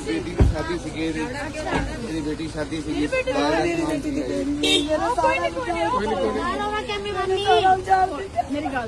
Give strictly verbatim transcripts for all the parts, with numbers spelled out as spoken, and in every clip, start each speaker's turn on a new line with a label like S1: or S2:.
S1: बेटी की शादी सी मेरी बेटी की शादी सी
S2: मेरी गल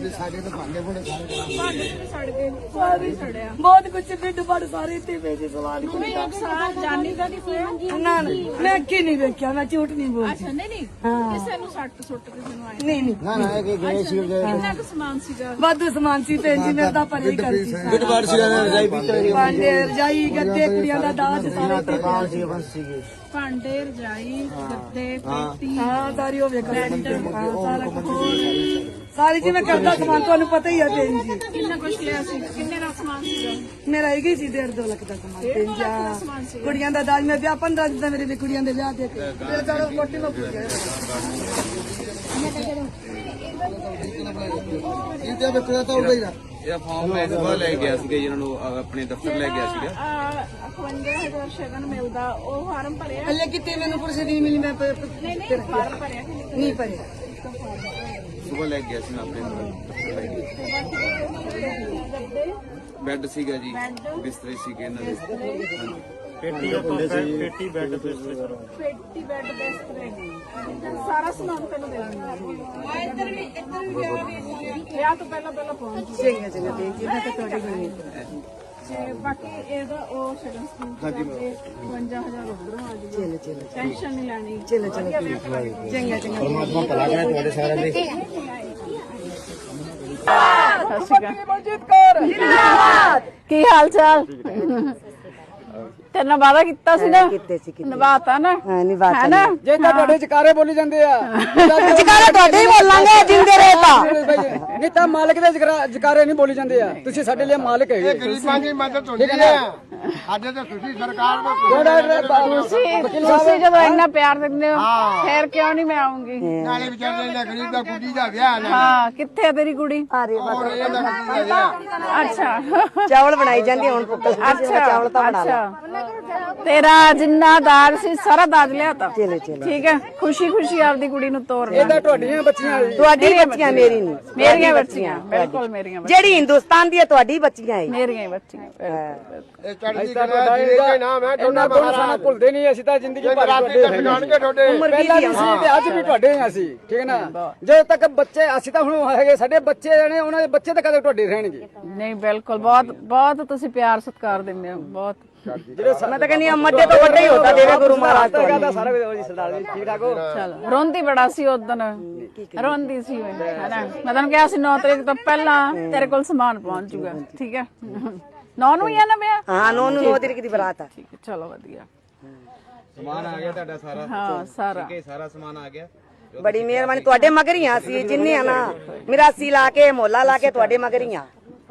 S3: बहुत कुछ ढिड बड़ सारे इतने पैसे सवाल
S2: जानी का नहीं होया
S3: ना मैं अगे नहीं देखा मैं झूठ नहीं बोलती
S2: अच्छा नहीं नहीं ਕਿਸੇ ਨੂੰ ਸੱਟ ਸੁੱਟ ਕਿਸੇ ਨੂੰ ਆਏ
S3: नहीं नहीं
S1: ना ना ये गए सी
S2: ਕਿੰਨਾ ਕੁ ਸਮਾਨ ਸੀਗਾ
S3: वाधु समान सी भैन जी मेरे परे करती
S1: बिट बार सी रजाई भी
S3: भांडे रजाई गद्दे कुड़ियां दा दाज सारे ते
S1: बाल सी बस सी
S2: ਭਾਂਡੇ ਰਜਾਈ ਗੱਦੇ ਪੇਟੀ
S3: हाँ सारी हो वे सारा कुछ सारी जी मैं करदा समान ਤੁਹਾਨੂੰ ਪਤਾ ਹੀ ਹੈ ਭੈਣ ਜੀ
S2: ਕਿੰਨਾ ਕੁਛ ਲਿਆ ਸੀ ਕਿੰਨੇ ਦਾ ਸਮਾਨ ਸੀਗਾ
S3: ਮੇਰਾ ਹੈਗੀ ਸੀ ਡੇਢ ਦੋ ਲੱਖ ਦਾ ਸਮਾਨ ਭੈਣ ਜੀ ਕੁੜੀਆਂ ਦਾ ਦਾਜ ਮੈਂ ਵਿਆਹ ਪੰਦਰਾਂ ਦਿਨ ਦਾ ਮੇਰੇ ਲਈ ਕੁੜੀਆਂ ਦੇ ਵਿਆਹ ਦੇ ਕੇ ਫਿਰ ਕਰੋ ਕੋਟੀ ਮੈਂ ਪੁੱਛ ਗਿਆ
S1: ਇਹ ਤੇ ਬਕਰਾ ਤਾਂ ਉੜਾ ਹੀ ਨਾ ਇਹ ਫਾਰਮ ਮੈਂ ਸੁਬਾ ਲੈ ਗਿਆ ਸੀਗਾ ਜਿਹਨਾਂ ਨੂੰ ਆਪਣੇ ਦਫ਼ਤਰ ਲੈ ਗਿਆ ਸੀਗਾ
S2: ਇਕਵੰਜਾ ਹਜ਼ਾਰ ਸ਼ਗਨ ਮਿਲਦਾ ਉਹ ਫਾਰਮ ਭਰਿਆ
S3: ਹਲੇ ਕਿਤੇ ਮੈਨੂੰ ਪੁਰਸੇ ਨਹੀਂ ਮਿਲੀ ਮੈਂ
S2: ਨਹੀਂ ਨਹੀਂ ਫਾਰਮ ਭਰਿਆ ਕਿ ਨਹੀਂ
S3: ਨਹੀਂ ਭਰਿਆ
S1: ਸੁਬਾ ਲੈ ਗਿਆ ਸੀ ਮੈਂ ਆਪਣੇ ਦਫ਼ਤਰ ਲੈ ਗਿਆ ਬੈੱਡ ਸੀਗਾ ਜੀ ਬਿਸਤਰੇ ਸੀਗੇ ਇਹਨਾਂ ਦੇ ਹਾਂਜੀ
S4: पेटी पेटी बेड बिस्तर
S2: ਪੇਟੀ ਬੈੱਡ ਬਿਸਤਰੇ ਸਾਰਾ ਸਮਾਨ ਤੈਨੂੰ ਦੇ ਦਾਂਗਾ ਇੱਧਰ ਵੀ ਇੱਧਰ ਵੀ ਵਿਆਹ ਤੋਂ ਪਹਿਲਾਂ ਪਹਿਲਾਂ ਪਹੁੰਚ
S3: ਚੰਗਾ ਚੰਗਾ ਭੈਣ ਜੀ ਮੈਂ ਤਾਂ ਤੁਹਾਡੀ ਬਣੀ
S2: ਤੇ ਬਾਕੀ ਇਹਦਾ ਉਹ ਸ਼ਗਨ ਸਕੂਲ ਹਾਂਜੀ ਇਕਵੰਜਾ ਹਜ਼ਾਰ ਉਧਰੋਂ ਆ ਜੀ
S3: ਚਲੋ ਚਲੋ
S2: ਟੈਨਸ਼ਨ ਨਹੀਂ ਲੈਣੀ
S3: ਚਲੋ ਚਲੋ ਚੰਗਾ ਚੰਗਾ
S1: ਪਰਮਾਤਮਾ ਭਲਾ ਕਰੇ ਤੁਹਾਡੇ ਸਾਰਿਆਂ ਦੇ
S2: ਸਤਿ ਸ਼੍ਰੀ ਅਕਾਲ ਕੀ ਹਾਲ ਚਾਲ ਤੇਰੇ ਵਾਦਾ ਕੀਤਾ ਸੀ ਨਾ
S3: ਕਿਤੇ ਸੀ ਕਿਤੇ
S2: ਨਿਭਾਤਾ ਨਾ
S3: ਹਾਂ ਨਹੀਂ ਬਾਤ
S2: ਹੈ ਨਾ
S5: ਜੇ ਤਾਂ ਤੁਹਾਡੇ ਜਕਾਰੇ ਬੋਲੀ ਜਾਂਦੇ ਆ
S3: ਜਕਾਰਾ ਤੁਹਾਡੇ ਹੀ ਬੋਲਾਂਗੇ ਜਿੰਦੇ ਰਹੇ ਤਾਂ
S5: ਨਹੀਂ ਤਾਂ ਮਾਲਕ ਦੇ ਜਕਰਾ- ਜਕਾਰੇ ਨਹੀਂ ਬੋਲੀ ਜਾਂਦੇ ਆ ਤੁਸੀਂ ਸਾਡੇ ਲਈ ਮਾਲਕ ਹੈਗੇ
S1: ਗਰੀਬਾਂ ਦੀ ਮਦਦ ਹੁੰਦੀ ਹੈ ਅੱਜ ਤਾਂ ਤੁਸੀਂ ਸਰਕਾਰ ਦਾ
S2: ਤੁਸੀਂ ਤੁਸੀਂ ਜਦੋਂ ਇੰਨਾ ਪਿਆਰ ਦਿੰਦੇ ਹੋ ਫੇਰ ਕਿਉਂ ਨਹੀਂ ਮੈਂ ਆਉਂਗੀ
S1: ਨਾਲੇ ਵਿਚਾਰੇ ਦਾ ਗਰੀਬ ਦਾ ਕੁੜੀ ਦਾ ਵਿਆਹ ਨਾ
S2: ਹਾਂ ਕਿੱਥੇ ਆ ਤੇਰੀ ਕੁੜੀ
S3: ਆਰੇ
S1: ਹੋਰ ਇਹਦਾ ਕੁੜੀ ਦਾ ਵਿਆਹ
S2: ਅੱਛਾ
S3: ਚਾਵਲ ਬਣਾਈ ਜਾਂਦੀ ਹੁਣ ਪੁੱਕਲ
S2: ਅੱਛਾ
S3: ਚਾਵਲ ਤਾਂ ਬਣਾ ਲਾ
S2: ਅੱਛਾ ਤੇਰਾ ਜਿੰਨਾ ਦਾਜ ਸੀ ਸਾਰਾ ਦਾਜ ਲਿਆ ਤਾ
S3: ਚਲੋ ਚਲੋ
S2: ਠੀਕ ਹੈ ਖੁਸ਼ੀ ਖੁਸ਼ੀ ਆਪਦੀ ਕੁੜੀ ਨੂੰ ਤੋਰ
S5: ਇਹ ਤਾਂ ਤੁਹਾਡੀਆਂ ਬੱਚੀਆਂ ਜੀ।
S3: ਤੁਹਾਡੀ ਬੱਚੀਆਂ ਮੇਰੀ ਨਹੀਂ
S2: ਮੇਰੀਆਂ ਬੱਚੀਆਂ ਬਿਲਕੁਲ ਮੇਰੀਆਂ ਬੱਚੀਆਂ
S3: ਜਿਹੜੀ ਹਿੰਦੁਸਤਾਨ ਦੀ ਹੈ ਤੁਹਾਡੀ ਬੱਚੀਆਂ ਹੈ
S2: ਮੇਰੀਆਂ ਹੀ ਬੱਚੀਆਂ
S1: ਇਹ ਚੜ੍ਹਦੀ
S5: ਤਾਂ
S1: ਕਲਾ ਜਿਹਦੇ ਦੇ ਨਾਮ ਹੈ
S5: ਇਹਨਾਂ ਤੋਂ ਸਾਨੂੰ ਭੁੱਲਦੇ ਨਹੀਂ ਅਸੀਂ ਤਾਂ ਜ਼ਿੰਦਗੀ ਭਰ ਤੁਹਾਡੇ ਹੈਗੇ।
S1: ਜਾਣਗੇ ਤੁਹਾਡੇ
S3: ਉਮਰ
S5: ਪਹਿਲਾਂ
S3: ਵੀ
S5: ਵੀ ਸੀ ਤੇ ਅੱਜ ਵੀ ਤੁਹਾਡੇ ਹਾਂ ਅਸੀਂ ਠੀਕ ਹੈ ਨਾ ਜਦੋਂ ਤੱਕ ਬੱਚੇ ਅਸੀਂ ਤਾਂ ਹੁਣ ਹੈਗੇ ਸਾਡੇ ਬੱਚੇ ਨੇ ਉਹਨਾਂ ਦੇ ਬੱਚੇ ਤਾਂ ਕਦੇ ਤੁਹਾਡੇ ਰਹਿਣਗੇ
S2: ਨਹੀਂ ਬਿਲਕੁਲ ਬਹੁਤ ਬਹੁਤ ਤੁਸੀਂ ਪਿਆਰ ਸਤਿਕਾਰ ਦਿੰਦੇ ਹੋ ਬਹੁਤ
S5: ਜਿਹੜੇ
S3: ਮੈਂ ਤਾਂ ਕਹਿੰਦੀ ਮੱਦੇ ਤੋਂ ਵੱਡਾ ਹੀ ਹੁੰਦਾ ਦੇਵੇ ਗੁਰੂ ਮਹਾਰਾਜ ਤੋਂ
S5: ਦਾ ਸਾਰਾ ਜੀ ਸਰਦਾਰ ਜੀ ਠੀਕ ਠਾਕ ਹੋ
S2: ਚਲੋ ਰੋਂਦੀ ਬੜਾ ਸੀ ਉਦਣ ਰੋਂਦੀ ਸੀ ਮੈਂ ਹੈਨਾ ਮੈਂ ਤੁਹਾਨੂੰ ਕਿਹਾ ਸੀ ਨੌ ਤਰੀਕ ਤੋਂ ਪਹਿਲਾਂ ਤੇਰੇ ਕੋਲ ਸਮਾਨ ਪਹੁੰਚ ਜੂਗਾ ਠੀਕ ਹੈ ਨੌ ਨੂੰ ਹੀ ਆ ਨਾ ਵਿਆਹ
S3: ਹਾਂ ਨੋ ਨੂੰ ਨੋ ਤਰੀਕ ਦੀ ਬਰਾਤ ਆ
S2: ਠੀਕ ਹੈ ਚਲੋ ਵਧੀਆ
S1: ਸਮਾਨ ਆ ਗਿਆ ਤੁਹਾਡਾ ਸਾਰਾ
S2: ਹਾਂ ਸਾਰਾ
S1: ਠੀਕ ਹੈ ਸਾਰਾ ਸਮਾਨ ਆ ਗਿਆ
S3: ਬੜੀ ਮਿਹਰਬਾਨੀ ਤੁਹਾਡੇ ਮਗਰ ਹੀ ਆ ਸੀ ਜਿੰਨੇ ਆ ਨਾ ਮਿਰਾਸੀ ਲਾ ਕੇ ਮੋਲਾ ਲਾ ਕੇ ਤੁਹਾਡੇ ਮਗਰ ਹੀ ਆ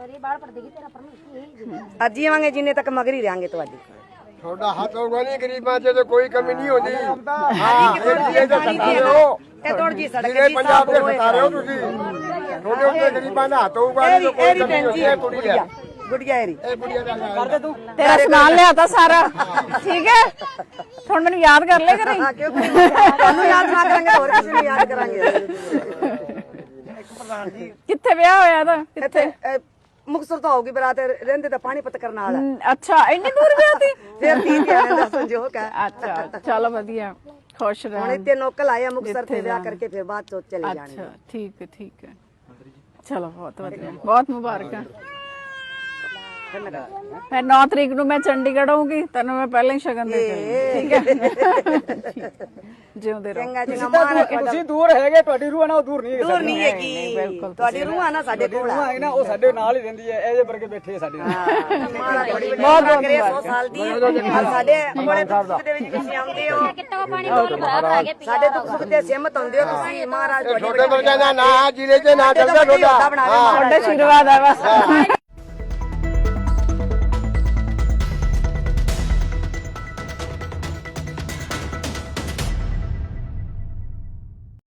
S3: ਅੱਜ ਹੀ ਆਵਾਂਗੇ ਜਿੰਨੇ ਤੱਕ ਮਗਰ ਹੀ ਰਹਾਂਗੇ ਤੁਹਾਡੇ
S1: ਤੁਹਾਡਾ ਹੱਥ ਹੋਊਗਾ ਨਹੀਂ ਗਰੀਬਾਂ 'ਚ ਤੇ ਕੋਈ ਕਮੀ ਨਹੀਂ ਹੁੰਦੀ ਹਾਂ ਇਹ ਤਾਂ ਸਤਾ ਰਹੇ ਹੋ
S3: ਤੇ ਤੋੜ ਜੀ ਸੜਕ
S1: ਜਿਹੜੇ
S3: ਜੀ
S1: ਪੰਜਾਬ
S3: ਸਾਫ
S1: ਦੇ ਸਤਾ ਰਹੇ ਹੋ ਤੁਸੀਂ ਤੁਹਾਡੇ ਉੱਤੇ ਗਰੀਬਾਂ ਦਾ ਹੱਥ ਹੋਊਗਾ ਨਹੀਂ ਤਾਂ ਕੋਈ
S3: ਐਰੀ
S1: ਕਮੀ
S3: ਭੈਣ
S1: ਹੁੰਦੀ
S3: ਜੀ
S1: ਹੈ ਕੁੜੀ ਹੈ
S3: ਗੁੜੀਆ ਐਰੀ
S1: ਇਹ ਕੁੜੀਆਂ ਦਾ ਕਰਦੇ ਤੂੰ
S2: ਤੇਰਾ ਸਮਾਨ ਲਿਆਤਾ ਸਾਰਾ ਠੀਕ ਹੈ ਹੁਣ ਮੈਨੂੰ ਯਾਦ ਕਰ ਲਿਆ ਕਰੀ
S3: ਹਾਂ ਕਿਉਂ ਤੁਹਾਨੂੰ ਯਾਦ ਨਾ ਕਰਾਂਗੇ ਹੋਰ ਕਿਸੇ ਨੂੰ ਯਾਦ ਕਰਾਂਗੇ
S2: ਕਿੱਥੇ ਵਿਆਹ ਹੋਇਆ ਤਾਂ ਕਿੱਥੇ
S3: ਇੱਥੇ ਮੁਕਤਸਰ ਤੋਂ ਆਉਗੀ ਬਰਾਤ ਰਹਿੰਦੇ ਤਾਂ ਪਾਣੀਪਤ ਕਰਨ ਵਾਲਾ
S2: ਹਮ, ਅੱਛਾ ਇੰਨੀ ਦੂਰ ਵਿਆਹ ਤੀ
S3: ਫਿਰ ਤੀ ਧਿਆਨ ਦਾ ਸੰਜੋਗ ਹੈ
S2: ਅੱਛਾ ਚਲੋ ਵਧੀਆ ਖੁਸ਼
S3: ਹੁਣ
S2: ਰਹਿ
S3: ਇੱਥੇ ਨੌਕਲ ਆਇਆ ਮੁਕਤਸਰ ਤੇ ਵਿਆਹ ਕਰਕੇ ਫਿਰ ਬਾਅਦ ਚ ਚਲੇ ਜਾਣਗੇ
S2: ਅੱਛਾ ਠੀਕ ਹੈ ਠੀਕ ਹੈ ਚਲੋ ਬਹੁਤ ਵਧੀਆ ਬਹੁਤ ਮੁਬਾਰਕਾਂ ਫਿਰ ਨੌ ਤਰੀਕ ਨੂੰ ਮੈਂ ਚੰਡੀਗੜ੍ਹ ਆਉਂਗੀ ਤੈਨੂੰ ਮੈਂ ਪਹਿਲਾਂ ਹੀ ਸ਼ਗਨ ਦੇ ਕੇ ਠੀਕ ਹੈ ਜਿਉਂਦੇ ਰਹੋ
S3: ਚੰਗਾ ਚੰਗਾ ਮਾਰਾ
S5: ਤੁਸੀਂ ਦੂਰ ਹੈਗੇ ਤੁਹਾਡੀ ਰੂਹ ਨਾ ਉਹ ਦੂਰ ਨਹੀਂ ਹੈਗੀ
S3: ਦੂਰ ਨਹੀਂ ਹੈਗੀ ਤੁਹਾਡੀ ਰੂਹ ਆ ਨਾ ਸਾਡੇ ਕੋਲ
S5: ਰੂਹ ਹੈ ਨਾ ਉਹ ਸਾਡੇ ਨਾਲ ਹੀ ਰਹਿੰਦੀ ਹੈ ਇਹਦੇ ਵਰਗੇ ਬੈਠੇ ਸਾਡੇ ਨਾਲ
S3: ਮਾਰਾ ਬੜੀ ਬਹੁਤ ਬਹੁਤ ਕਰੇ ਸੌ ਸਾਲ ਦੀ ਸਾਡੇ ਬੜੇ ਦੁੱਖ ਸੁੱਖ ਦੇ ਵਿੱਚ ਤੁਸੀਂ ਆਉਂਦੇ ਹੋ ਸਾਡੇ ਦੁੱਖ ਸੁੱਖ ਤੇ ਸਹਿਮਤ ਹੁੰਦੇ ਹੋ ਤੁਸੀਂ ਮਹਾਰਾਜ ਤੁਹਾਡੀ
S1: ਤੁਹਾਡੇ ਵਰਗਾ ਦਾ ਨਾਂ ਜ਼ਿਲ੍ਹੇ 'ਚ ਨਾ ਚੱਲਦਾ ਤੁਹਾਡਾ
S2: ਤੁਹਾਡਾ ਆਸ਼ੀਰਵਾਦ ਹੈ ਬਸ